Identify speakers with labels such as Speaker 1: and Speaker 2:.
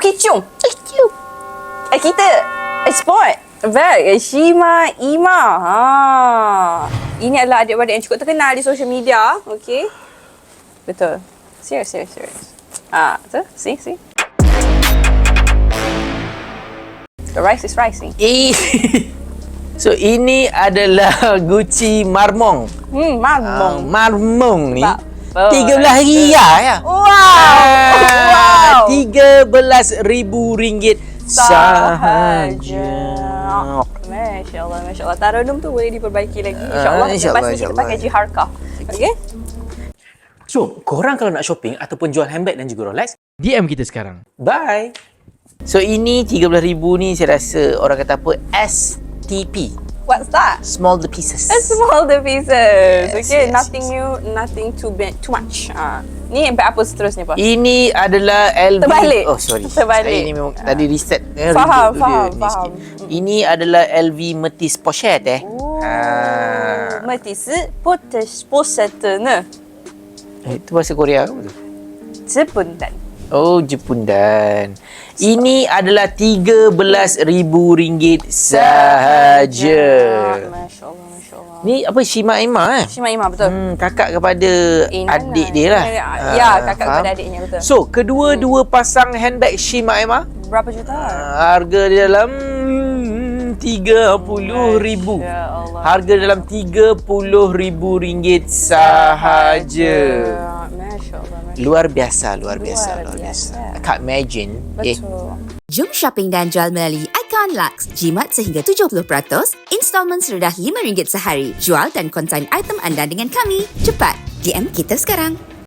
Speaker 1: kicung. Kita sport. Baik, Shima Ima. Ini adalah adik-beradik yang cukup terkenal di social media. Okay. Betul. Serius. Betul? See? The rice is rising.
Speaker 2: So, ini adalah Gucci Marmong.
Speaker 1: Marmong.
Speaker 2: Marmong ni.
Speaker 1: Sebab
Speaker 2: 13 riyal ya.
Speaker 1: Wow.
Speaker 2: RM13,000 sahaja.
Speaker 1: Masya Allah. Tarannum tu boleh diperbaiki lagi. InsyaAllah. Lepas ni kita pakai Jiharkah. Okay?
Speaker 3: So, korang kalau nak shopping ataupun jual handbag dan juga Rolex, DM kita sekarang.
Speaker 2: Bye. So, ini 13,000 ni saya rasa orang kata apa? STP.
Speaker 1: What's that?
Speaker 2: Small the pieces.
Speaker 1: Small the pieces. Okay,
Speaker 2: Yes.
Speaker 1: nothing new, nothing too much. Ni apa seterusnya, Pak?
Speaker 2: Ini adalah LV.
Speaker 1: Terbalik.
Speaker 2: Oh, sorry.
Speaker 1: Terbalik.
Speaker 2: Saya ini memang tadi reset.
Speaker 1: Faham.
Speaker 2: Ini adalah LV Metis Pochette
Speaker 1: Metis pochette ne.
Speaker 2: Itu bahasa Korea ke apa tu?
Speaker 1: Jepundan.
Speaker 2: Oh, Jepundan. Ini adalah RM13,000 sahaja.
Speaker 1: Masya Allah.
Speaker 2: Ni apa? Shima Ima
Speaker 1: Shima Ima, betul.
Speaker 2: kakak kepada adik dia lah.
Speaker 1: Ya, kakak
Speaker 2: faham?
Speaker 1: kepada adiknya, betul.
Speaker 2: So, kedua-dua pasang handbag Shima Ima,
Speaker 1: Berapa juta?
Speaker 2: harga dia dalam RM30,000.
Speaker 1: Ya Allah.
Speaker 2: Harga dalam RM30,000 sahaja.
Speaker 1: Masya Allah.
Speaker 2: Luar biasa. I can't imagine.
Speaker 1: Betul.
Speaker 4: Jom shopping dan jual melalui Icon Lux. Jimat sehingga 70%, installmen serendah RM5 sehari. Jual dan konsign item anda dengan kami. Cepat, DM kita sekarang.